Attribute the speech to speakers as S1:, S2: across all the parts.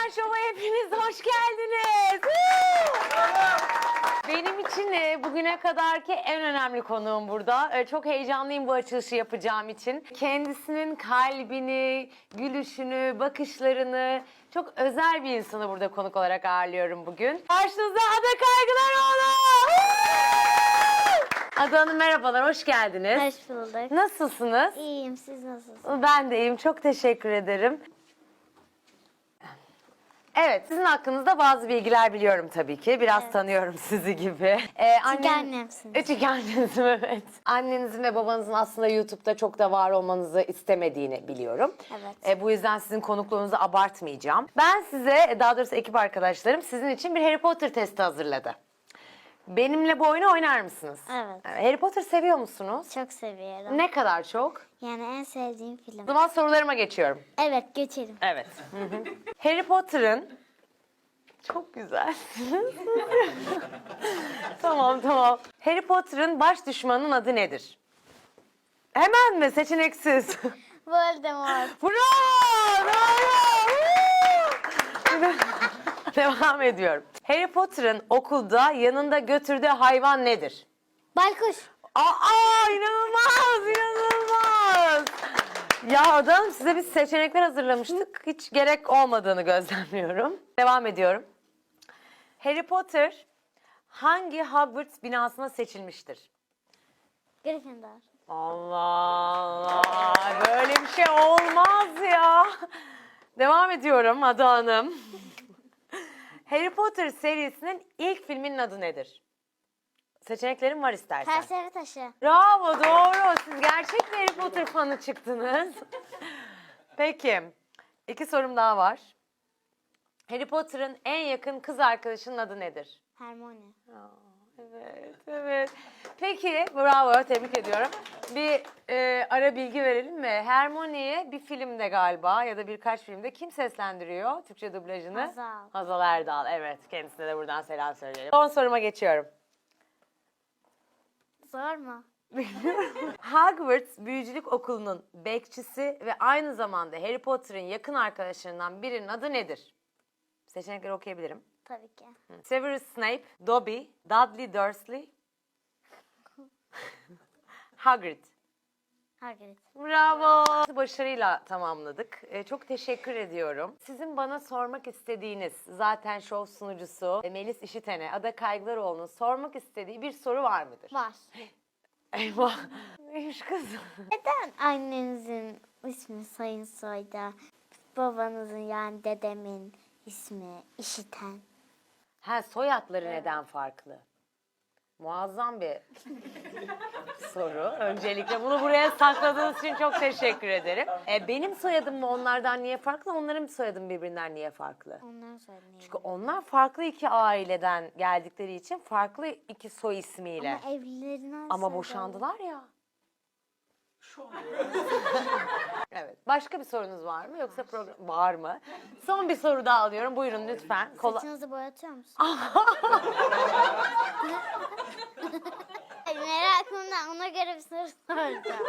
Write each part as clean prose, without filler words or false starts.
S1: Şov'a hepiniz hoş geldiniz. Benim için bugüne kadarki en önemli konuğum burada. Çok heyecanlıyım bu açılışı yapacağım için. Kendisinin kalbini, gülüşünü, bakışlarını, çok özel bir insanı burada konuk olarak ağırlıyorum bugün. Karşınızda Ada Kaygılaroğlu. Ada Hanım merhabalar, hoş geldiniz.
S2: Hoş bulduk.
S1: Nasılsınız?
S2: İyiyim, siz nasılsınız?
S1: Ben de iyiyim, çok teşekkür ederim. Evet, sizin hakkınızda bazı bilgiler biliyorum tabii ki. Biraz tanıyorum sizi gibi.
S2: Çünkü annemsiniz.
S1: Çünkü annemsin, evet. Annenizin ve babanızın aslında YouTube'da çok da var olmanızı istemediğini biliyorum.
S2: Evet.
S1: Bu yüzden sizin konukluğunuzu abartmayacağım. Ben size, daha doğrusu ekip arkadaşlarım sizin için bir Harry Potter testi hazırladı. Benimle bu oyunu oynar mısınız?
S2: Evet.
S1: Harry Potter seviyor musunuz?
S2: Çok seviyorum.
S1: Ne kadar çok?
S2: Yani en sevdiğim
S1: O
S2: film.
S1: zaman sorularıma geçiyorum.
S2: Evet, geçelim.
S1: Evet. Harry Potter'ın çok güzel. Tamam. Harry Potter'ın baş düşmanının adı nedir? Hemen mi? Seçeneksiz.
S2: Voldemort.
S1: Bravo! Devam ediyorum. Harry Potter'ın okulda yanında götürdüğü hayvan nedir?
S2: Baykuş.
S1: Aa, inanılmaz! Ya adam size biz seçenekler hazırlamıştık. Hiç gerek olmadığını gözlemliyorum. Devam ediyorum. Harry Potter hangi Hogwarts binasına seçilmiştir?
S2: Gryffindor.
S1: Allah Allah! Böyle bir şey olmaz ya. Devam ediyorum Ada Hanım. Harry Potter serisinin ilk filminin adı nedir? Seçeneklerim var istersen.
S2: Terseri taşı.
S1: Bravo, doğru. Siz gerçek bir Harry Potter fanı çıktınız. Peki, 2 sorum daha var. Harry Potter'ın en yakın kız arkadaşının adı nedir?
S2: Hermione.
S1: Evet. Peki, bravo, tebrik ediyorum. Bir ara bilgi verelim mi? Hermione'yi bir filmde galiba ya da birkaç filmde kim seslendiriyor Türkçe dublajını?
S2: Hazal.
S1: Hazal Erdal, evet. Kendisine de buradan selam söyleyelim. Son soruma geçiyorum.
S2: Zor mu?
S1: Hogwarts Büyücülük Okulu'nun bekçisi ve aynı zamanda Harry Potter'ın yakın arkadaşlarından birinin adı nedir? Seçenekleri okuyabilirim.
S2: Tabii ki.
S1: Severus Snape, Dobby, Dudley Dursley, Hagrid.
S2: Hagrid.
S1: Bravo. Başarıyla tamamladık. Çok teşekkür ediyorum. Sizin bana sormak istediğiniz, zaten şov sunucusu Melis İşiten'e, Ada Kaygılaroğlu'nun sormak istediği bir soru var mıdır?
S2: Var.
S1: Eyvah. Neymiş kız?
S2: Neden annenizin ismi Sayın Soy'da, babanızın yani dedemin ismi İşiten?
S1: Ha, soyadları neden farklı? Muazzam bir soru. Öncelikle bunu buraya sakladığınız için çok teşekkür ederim. Benim soyadım mı onlardan niye farklı? Onların soyadı birbirinden niye farklı?
S2: Ondan sonra ne?
S1: Çünkü onlar farklı iki aileden geldikleri için farklı iki soy ismiyle.
S2: Ama evlilerine
S1: Ama boşandılar ya. Evet. Başka bir sorunuz var mı? Yoksa program var mı? Son bir soru daha alıyorum. Buyurun lütfen.
S2: Saçınızı boyatıyor musunuz? Merakımdan ona göre bir soru soracağım.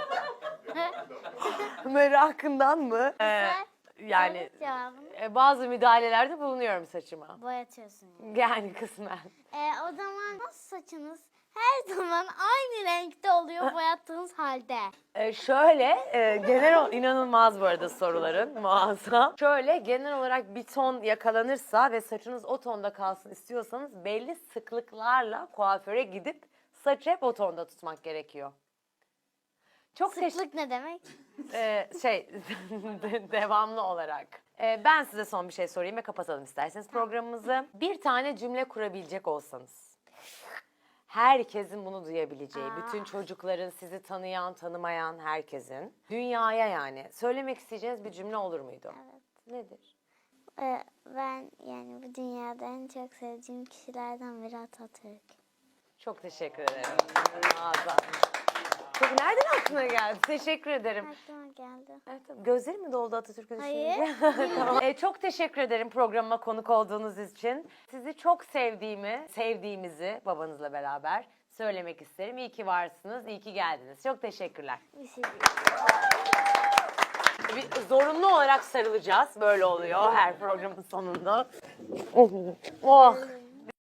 S1: Merakından mı? Yani
S2: Evet, cevabını
S1: bazı müdahalelerde bulunuyorum saçıma.
S2: boyatıyorsun yani.
S1: Yani kısmen.
S2: O zaman nasıl saçınız her zaman aynı renkte oluyor boyattığınız halde?
S1: Genel inanılmaz bu arada soruların, muazzam. Şöyle, genel olarak bir ton yakalanırsa ve saçınız o tonda kalsın istiyorsanız belli sıklıklarla kuaföre gidip saçı hep o tonda tutmak gerekiyor. Çok
S2: Sıklık ne demek?
S1: devamlı olarak. Ben size son bir şey sorayım ve kapatalım isterseniz programımızı. Bir tane cümle kurabilecek olsanız. Herkesin bunu duyabileceği, bütün çocukların, sizi tanıyan, tanımayan herkesin, dünyaya yani söylemek isteyeceğiniz bir cümle olur muydu?
S2: Evet.
S1: Nedir?
S2: Ben yani bu dünyada en çok sevdiğim kişilerden biri Atatürk.
S1: Çok teşekkür ederim. Muazzam. Çok nereden aklına geldi? Teşekkür ederim.
S2: Aklıma geldi.
S1: Evet, gözlerim mi doldu Atatürk'ü
S2: Hayır.
S1: düşününce? Tamam. Çok teşekkür ederim programıma konuk olduğunuz için. Sizi çok sevdiğimizi babanızla beraber söylemek isterim. İyi ki varsınız, iyi ki geldiniz. Çok teşekkürler.
S2: Bir şey değil.
S1: Zorunlu olarak sarılacağız. Böyle oluyor her programın sonunda. Oh.